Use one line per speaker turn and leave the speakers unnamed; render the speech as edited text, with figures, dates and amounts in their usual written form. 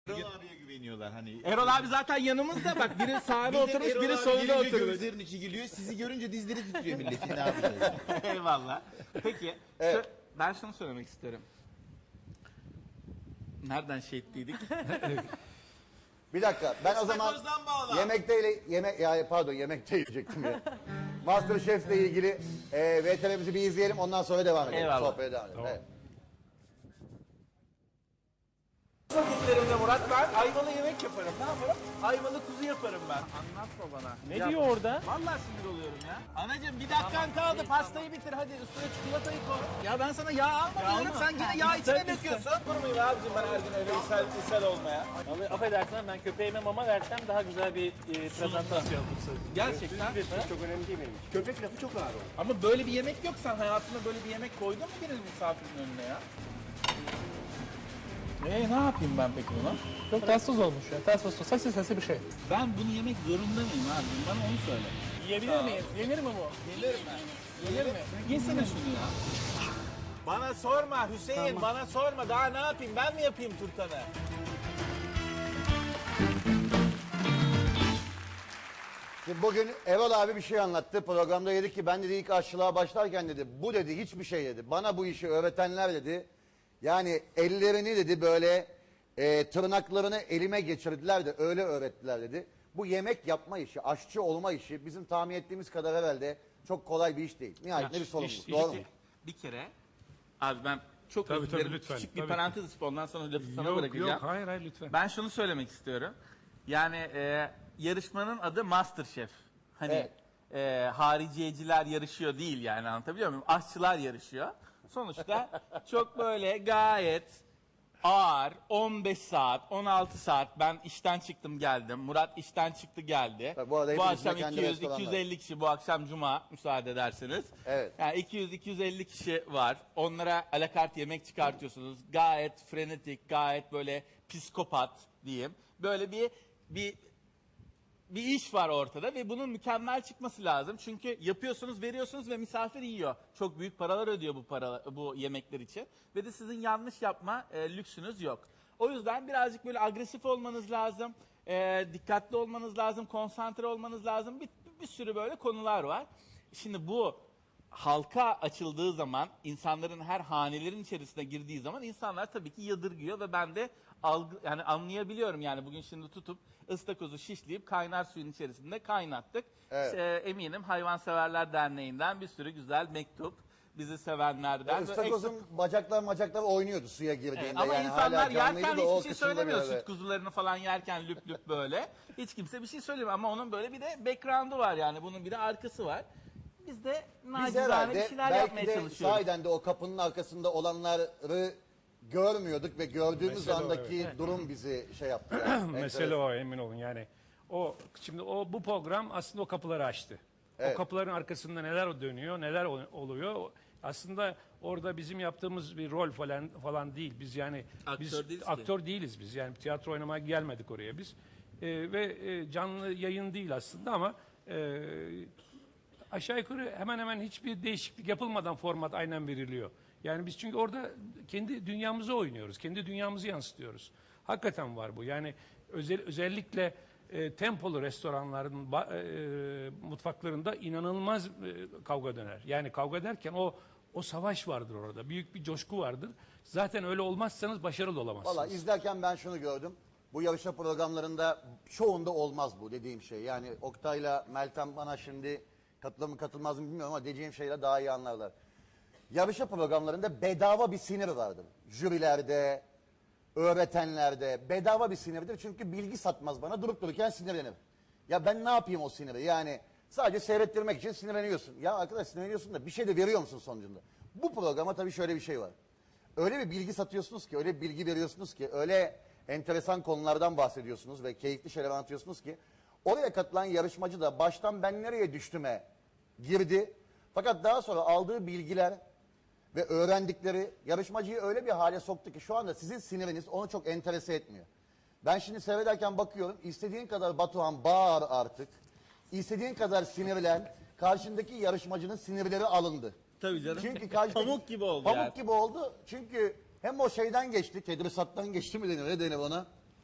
Erol abiye güveniyorlar hani.
Erol abi zaten yanımızda, bak biri sağda oturmuş,
Erol
biri
abi
solda
gelince
oturmuş.
gözlerinin içi gülüyor. Sizi görünce dizleri titriyor milletin, ne yapacağız?
Eyvallah. Peki,
Evet.
ben şunu söylemek isterim. Nereden şey ettiydik?
Bir dakika, ben o zaman
İstakozdan bağla.
yemekte yiyecektim ya. MasterChef'le ilgili VTR'mizi bir izleyelim, ondan sonra devam edelim.
Eyvallah.
Sohbete devam edelim.
Tamam.
Evet.
Vakitlerimde Murat, ben ayvalı yemek yaparım. Ne yaparım? Ayvalı kuzu yaparım ben. Anlatma bana.
Ne diyor orada?
Vallahi sinir oluyorum ya. Anacığım bir dakikan kaldı, pastayı bitir hadi, üstüne çikolatayı koy. Ya ben sana yağ alma diyorum, sen gene yağ içine döküyorsun. Durmayayım abicim ben her gün öyle ishal olmaya.
Vallahi affedersin, ben köpeğime mama versem daha güzel bir prezentasyon yapılsın.
Gerçekten.
Çok önemli değil benim için.
Köpek lafı çok ağır oldu.
Ama böyle bir yemek yok, sen hayatında böyle bir yemek koydun mu birinin misafirin önüne ya? Ne yapayım ben peki buna?
Çok tatsız olmuş ya. Tatsız, sesi bir şey.
Ben bunu yemek zorunda mıyım abi? Bana onu söyle.
Yiyebilir miyiz? Yenir mi bu?
Gelir mi?
Yenir mi?
Yesene şunu ya. Bana sorma Hüseyin, bana sorma. Daha ne yapayım? Ben mi yapayım turtanı?
Şimdi bugün Erol abi bir şey anlattı. Programda dedi ki ben dedi ilk aşçılığa başlarken dedi bu dedi hiçbir şey dedi. Bana bu işi öğretenler dedi. Yani ellerini dedi böyle tırnaklarını elime geçirdiler de öyle öğrettiler dedi. Bu yemek yapma işi, aşçı olma işi bizim tahmin ettiğimiz kadar herhalde çok kolay bir iş değil. Nihayetinde bir sorumluluk. Doğru mu?
Bir kere, abi ben çok
Tabii,
özür dilerim.
tabii, lütfen,
Küçük bir
tabii.
parantez açıp ondan sonra lafı sana
Yok
bırakacağım.
yok hayır lütfen.
Ben şunu söylemek istiyorum. Yani yarışmanın adı MasterChef. Hani hariciyeciler yarışıyor değil, yani anlatabiliyor muyum? Aşçılar yarışıyor. Sonuçta çok böyle gayet ağır 15 saat, 16 saat ben işten çıktım geldim. Murat işten çıktı geldi.
Tabii bu arada
bu
hepimizin
akşam
kendi
200
restoranları.
250 kişi, bu akşam cuma müsaade ederseniz.
Evet.
Yani 200 250 kişi var. Onlara alakart yemek çıkartıyorsunuz. Gayet frenetik, gayet böyle psikopat diyeyim. Böyle bir iş var ortada ve bunun mükemmel çıkması lazım. Çünkü yapıyorsunuz, veriyorsunuz ve misafir yiyor. Çok büyük paralar ödüyor bu yemekler için. Ve de sizin yanlış yapma lüksünüz yok. O yüzden birazcık böyle agresif olmanız lazım. Dikkatli olmanız lazım, konsantre olmanız lazım. Bir sürü böyle konular var. Şimdi bu halka açıldığı zaman, insanların her hanelerin içerisine girdiği zaman insanlar tabii ki yadırgıyor ve ben de yani anlayabiliyorum. Yani bugün şimdi tutup ıstakozu şişleyip kaynar suyun içerisinde kaynattık.
Evet.
Eminim Hayvanseverler Derneği'nden bir sürü güzel mektup, bizi sevenlerden.
Istakozun bacaklar oynuyordu suya girdiğinde.
Evet, ama
yani
insanlar
hala canlıydı
yerken
da o
hiçbir şey
kısımda
söylemiyor.
böyle.
Süt kuzularını falan yerken lüp lüp böyle. Hiç kimse bir şey söylemiyor ama onun böyle bir de background'u var, yani bunun bir de arkası var. Biz de
Biz
nacizane bir
herhalde
şeyler
belki
yapmaya
de
çalışıyoruz.
sahiden de o kapının arkasında olanları görmüyorduk ve gördüğümüz
Mesele o,
andaki durum bizi şey yaptı. Yani.
Mesele o, emin olun yani. Şimdi bu program aslında o kapıları açtı.
Evet.
O kapıların arkasında neler dönüyor, neler oluyor. Aslında orada bizim yaptığımız bir rol falan değil. Biz yani
Aktör değiliz ki.
aktör değiliz biz. Yani tiyatro oynamaya gelmedik oraya biz. Canlı yayın değil aslında ama aşağı yukarı hemen hemen hiçbir değişiklik yapılmadan format aynen veriliyor. Yani biz çünkü orada kendi dünyamızı oynuyoruz. Kendi dünyamızı yansıtıyoruz. Hakikaten var bu. Yani özellikle tempolu restoranların mutfaklarında inanılmaz kavga döner. Yani kavga derken o savaş vardır orada. Büyük bir coşku vardır. Zaten öyle olmazsanız başarılı olamazsınız.
Valla izlerken ben şunu gördüm. Bu yarışma programlarında çoğunda olmaz bu dediğim şey. Yani Oktay'la Meltem bana şimdi katılır mı katılmaz mı bilmiyorum ama diyeceğim şeyle daha iyi anlarlar. Yarışma programlarında bedava bir sinir vardır. Jürilerde, öğretenlerde bedava bir sinirdir. Çünkü bilgi satmaz bana, durup dururken sinirlenir. Ya ben ne yapayım o siniri? Yani sadece seyrettirmek için sinirleniyorsun. Ya arkadaş sinirleniyorsun da bir şey de veriyor musun sonucunda? Bu programa tabii şöyle bir şey var. Öyle bir bilgi satıyorsunuz ki, öyle bir bilgi veriyorsunuz ki, öyle enteresan konulardan bahsediyorsunuz ve keyifli şeyler anlatıyorsunuz ki oraya katılan yarışmacı da baştan ben nereye düştüme girdi. Fakat daha sonra aldığı bilgiler ve öğrendikleri yarışmacıyı öyle bir hale soktu ki şu anda sizin siniriniz onu çok enterese etmiyor. Ben şimdi seyrederken bakıyorum, istediğin kadar Batuhan bağır artık. İstediğin kadar sinirlen, karşındaki yarışmacının sinirleri alındı.
Tabii canım.
Çünkü karşıdaki,
Pamuk gibi oldu
Pamuk
yani.
gibi oldu. Çünkü hem o şeyden geçti, Tedrisat'tan geçti mi denir, ne denir ona?